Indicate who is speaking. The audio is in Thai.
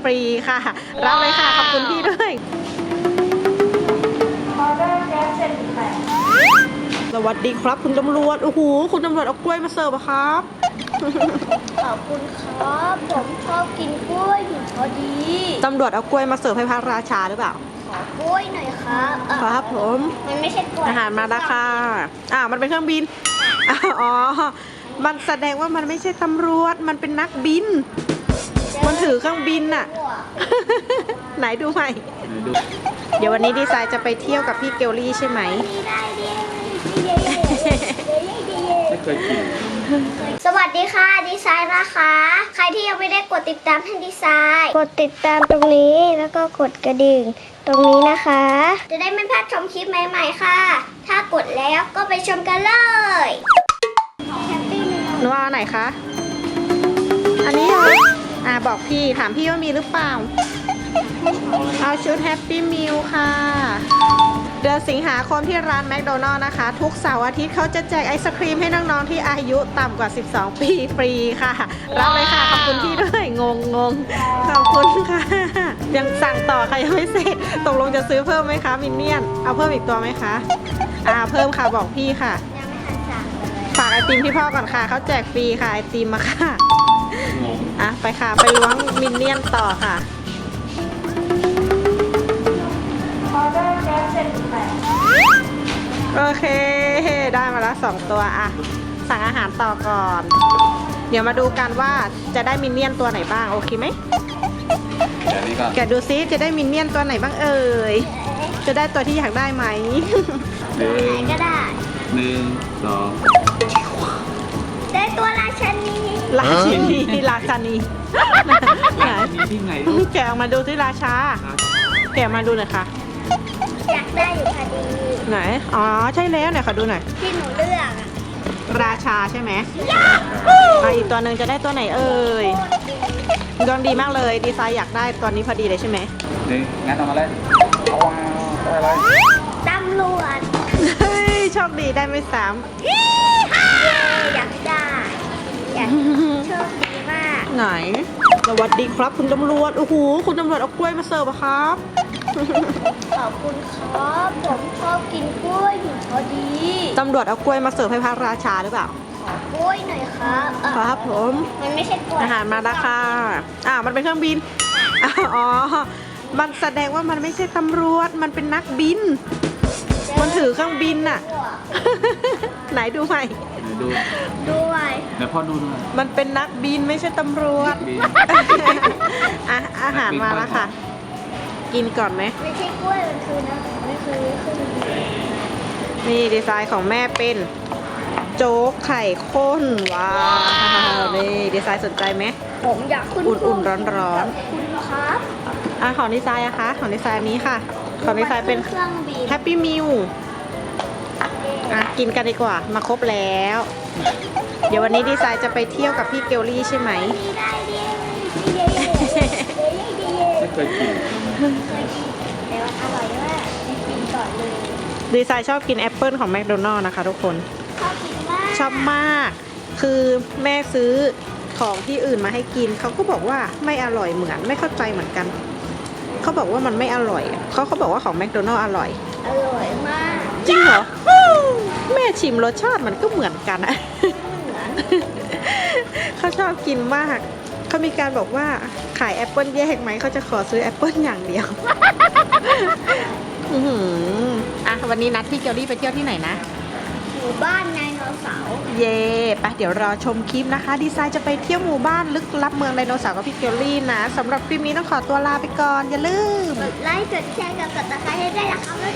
Speaker 1: ฟรีค่ะรับเลยค่ะขอบคุณพี่ด้วย
Speaker 2: ออเดอร์แก๊ส78
Speaker 1: สวัสดีครับคุณตำรวจโอ้โหคุณตำรวจเอากล้วยมาเสิร์ฟครับ
Speaker 2: ขอบคุณครับผมชอบกินกล้วยอยู่พอดี
Speaker 1: ตำรวจเอากล้วยมาเสิร์ฟให้พระราชาหรือเปล่า
Speaker 2: ขอกล้วยหน่อยครับ
Speaker 1: ครับผม
Speaker 2: มันไม่ใช่กล้วย
Speaker 1: อาหารมาแล้วค่ะมันเป็นเครื่องบินอ๋อมันแสดงว่ามันไม่ใช่ตำรวจมันเป็นนักบินมันถือเครื่องบินน่ะไหนดูใหม่เดี๋ยววันนี้ดีไซน์จะไปเที่ยวกับพี่เกลลี่ใช่ไหม
Speaker 3: ไม่เคยกิน
Speaker 2: สวัสดีค่ะดีไซน์นะคะใครที่ยังไม่ได้กดติดตามให้ดีไซน์กดติดตามตรงนี้แล้วก็กดกระดิ่งตรงนี้นะคะจะได้ไม่พลาดชมคลิปใหม่ๆค่ะถ้ากดแล้วก็ไปชมกันเลย
Speaker 1: หนูเอาไหนคะอันนี้เหรอบอกพี่ถามพี่ว่ามีหรือเปล่าเอาชุดแฮปปี้มิลค่ะเดือนสิงหาคมที่ร้านแมคโดนัลล์นะคะทุกเสาร์อาทิตย์เขาจะแจกไอศครีมให้น้องๆที่อายุต่ำกว่า12ปีฟรีค่ะรับเลยค่ะขอบคุณพี่ด้วยงงขอบคุณค่ะยังสั่งต่อค่ะยังไม่เสร็จตกลงจะซื้อเพิ่มไหมคะมินเนี่ยนเอาเพิ่มอีกตัวไหมคะเพิ่มค่ะบอกพี่ค่ะ
Speaker 2: ยังไม่ทันสั่งเลย
Speaker 1: ฝากไอติมพี่พ่อก่อนค่ะเขาแจกฟรีค่ะไอติมมาค่ะไปค่ะไปล้วงมินเนี่ยนต่อค่ะ
Speaker 2: ออเดอร์แก๊ส78
Speaker 1: โอเคได้มาแล้ว2ตัวสั่งอาหารต่อก่อนเดี๋ยวมาดูกันว่าจะได้มินเนี่ยนตัวไหนบ้างโอเคไหมแกะดูซิจะได้มินเนี่ยนตัวไหนบ้างเอ่ยจะได้ตัวที่อยากได้ไหม
Speaker 2: ตัวไหนก็ได้
Speaker 3: 1 2
Speaker 2: ได้ตัวราชนี
Speaker 1: ราชานีไหน
Speaker 3: ที่ไง
Speaker 1: แกะออกมาดูที่ราชาแกะมาดูหน่อยค่ะ
Speaker 2: อยากได้อยู่พอดี
Speaker 1: ไหนใช่แล้วไหนขอดูหน่อย
Speaker 2: ที่หนูเลือก
Speaker 1: ราชาใช่ไหมอีกตัวหนึ่งจะได้ตัวไหนเอ่ยดวงดีมากเลยดีไซน์อยากได้ตัวนี้พอดีเลยใช่ไหม
Speaker 3: งั้นเอามาเลยได้อะไร
Speaker 2: ตำรวจ
Speaker 1: เฮ้ยโชคดีได้ไม่ซ้
Speaker 2: อยากได้โชคดีมาก
Speaker 1: ไหนสวัสดีครับคุณตำรวจโอ้โหคุณตำรวจเอากล้วยมาเสิร์ฟครับ
Speaker 2: ขอบคุณครับผมชอบกินกล้วยอยู่พอดี
Speaker 1: ตำรวจเอากล้วยมาเสิร์ฟให้พระราชาหรือเปล่า
Speaker 2: ขอกล้วยหน่อยครับ
Speaker 1: ครับผม
Speaker 2: มันไม่ใช่กล้วย
Speaker 1: อาหารมาแล้วค่ะมันเป็นเครื่องบินมันแสดงว่ามันไม่ใช่ตำรวจมันเป็นนักบินมันถือเครื่องบินน่ะไหนดูใหม่
Speaker 2: ดูไว้
Speaker 3: เดี๋ยวพ่อดูหน่อย
Speaker 1: มันเป็นนักบินไม่ใช่ตำรวจอาหารมาแล้วค่ะกินก่อนไหม
Speaker 2: ไม่ใช่กล้วยมันคือนะไม่คือ
Speaker 1: นี่ดีไซน์ของแม่เป็นโจ๊กไข่ข้นว้าวนี่ดีไซน์สนใจไหม
Speaker 2: ผมอยากขึ้น
Speaker 1: อุ่นๆร้อน
Speaker 2: ๆคุณครับ
Speaker 1: ของดีไซน์คะของดีไซน์นี้ค่ะของดีไซน์เป็นแฮปปี้มิลกินกันดีกว่ามาครบแล้วเดี๋ยววันนี้ดีไซน์จะไปเที่ยวกับพี่เกลลี่ใช่ไหม
Speaker 3: ไม่เคยกิน
Speaker 2: แต่ว่าอร่อยมากกินก่อนเลย
Speaker 1: ดีไซน์ชอบกินแอปเปิลของแมคโดนัลล์นะคะทุกคนชอบมากคือแม่ซื้อของที่อื่นมาให้กินเขาก็บอกว่าไม่อร่อยเหมือนไม่เข้าใจเหมือนกันเขาบอกว่ามันไม่อร่อยเขาบอกว่าของแมคโดนัลล์อร่อย
Speaker 2: มาก
Speaker 1: จริงเหรอแม่ชิมรสชาติมันก็เหมือนกันอะเขาชอบกินมากเขามีการบอกว่าขายแอปเปิลแยกไหมเขาจะขอซื้อแอปเปิลอย่างเดียววันนี้นัดพี่เกลลี่ไปเที่ยวที่ไหนนะ
Speaker 2: หมู่บ้านไดโนเสาร์
Speaker 1: เย่ไปเดี๋ยวรอชมคลิปนะคะดีไซน์จะไปเที่ยวหมู่บ้านลึกลับเมืองไดโนเสาร์กับพี่เกลลี่นะสำหรับคลิปนี้ต้องขอตัวลาไปก่อนอย่าลืม
Speaker 2: กดไลค์กดแชร์กับกดติดตามให้ได้นะคะ